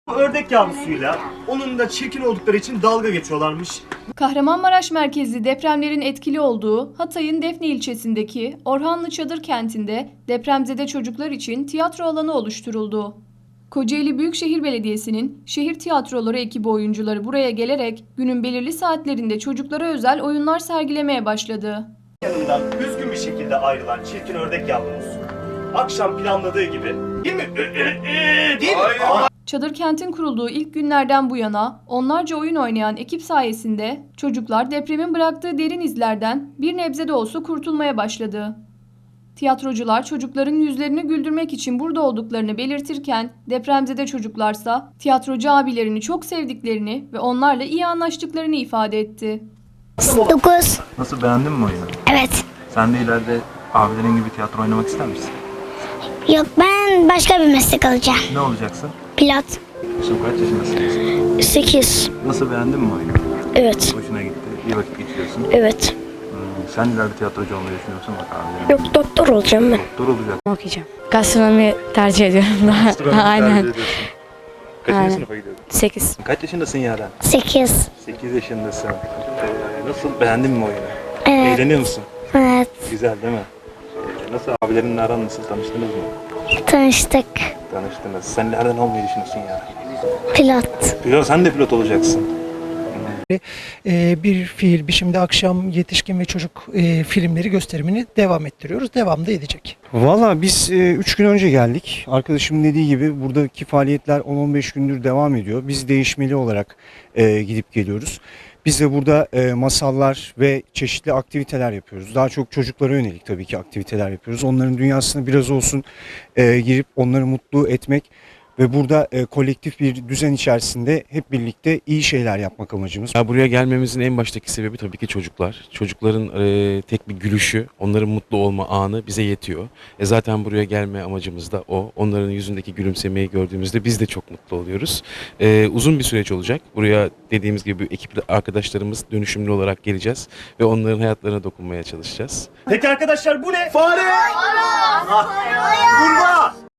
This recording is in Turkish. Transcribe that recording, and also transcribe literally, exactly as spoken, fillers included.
Ördek yavrusuyla onun da çirkin oldukları için dalga geçiyorlarmış. Kahramanmaraş merkezli depremlerin etkili olduğu Hatay'ın Defne ilçesindeki Orhanlı Çadır kentinde depremzede çocuklar için tiyatro alanı oluşturuldu. Kocaeli Büyükşehir Belediyesi'nin şehir tiyatroları ekibi oyuncuları buraya gelerek günün belirli saatlerinde çocuklara özel oyunlar sergilemeye başladı. Yanından üzgün bir şekilde ayrılan çirkin ördek yavrumuz akşam planladığı gibi değil mi? Değil mi? Çadır kentin kurulduğu ilk günlerden bu yana onlarca oyun oynayan ekip sayesinde çocuklar depremin bıraktığı derin izlerden bir nebze de olsa kurtulmaya başladı. Tiyatrocular çocukların yüzlerini güldürmek için burada olduklarını belirtirken depremzede çocuklarsa tiyatrocu abilerini çok sevdiklerini ve onlarla iyi anlaştıklarını ifade etti. dokuz. Nasıl, beğendin mi oyunu? Evet. Sen de ileride abilerin gibi tiyatro oynamak ister misin? Yok, ben başka bir meslek alacağım. Ne olacaksın? Pilot. Şimdi kaç yaşındasın? sekiz. Nasıl, beğendin mi oyunu? Evet. Hoşuna gitti. İyi vakit geçiriyorsun. Evet. Hmm, sen ileride tiyatrocu olmayı düşünüyorsun bak abilerin. Yok, doktor olacağım ben. Doktor olacak. Okuyacağım. Gastronomi tercih ediyorum daha. Gastronomi Aynen. tercih ediyorsun. Kaçıncı Aynen. sınıfa gidiyorsun? sekiz. Kaç yaşındasın Yaren? sekiz. sekiz yaşındasın. Ee, nasıl, beğendin mi oyunu? Evet. Eğleniyor musun? Evet. Güzel değil mi? Ee, nasıl, abilerinle aran nasıl, tanıştınız mı? Tanıştık. Tanıştınız. Sen ileride ne olmayı düşünüyorsun Yaren? Pilot. Pilot, sen de pilot olacaksın. Ee, bir fiil biçimde akşam yetişkin ve çocuk e, filmleri gösterimini devam ettiriyoruz. Devam da edecek. Valla biz üç gün önce geldik. Arkadaşımın dediği gibi buradaki faaliyetler on on beş gündür devam ediyor. Biz değişmeli olarak e, gidip geliyoruz. Biz de burada e, masallar ve çeşitli aktiviteler yapıyoruz. Daha çok çocuklara yönelik tabii ki aktiviteler yapıyoruz. Onların dünyasına biraz olsun e, girip onları mutlu etmek ve burada e, kolektif bir düzen içerisinde hep birlikte iyi şeyler yapmak amacımız. Ya buraya gelmemizin en baştaki sebebi tabii ki çocuklar. Çocukların e, tek bir gülüşü, onların mutlu olma anı bize yetiyor. E zaten buraya gelme amacımız da o. Onların yüzündeki gülümsemeyi gördüğümüzde biz de çok mutlu oluyoruz. E, uzun bir süreç olacak. Buraya dediğimiz gibi ekip arkadaşlarımız dönüşümlü olarak geleceğiz ve onların hayatlarına dokunmaya çalışacağız. Peki arkadaşlar bu ne? Fare! Kurbağa!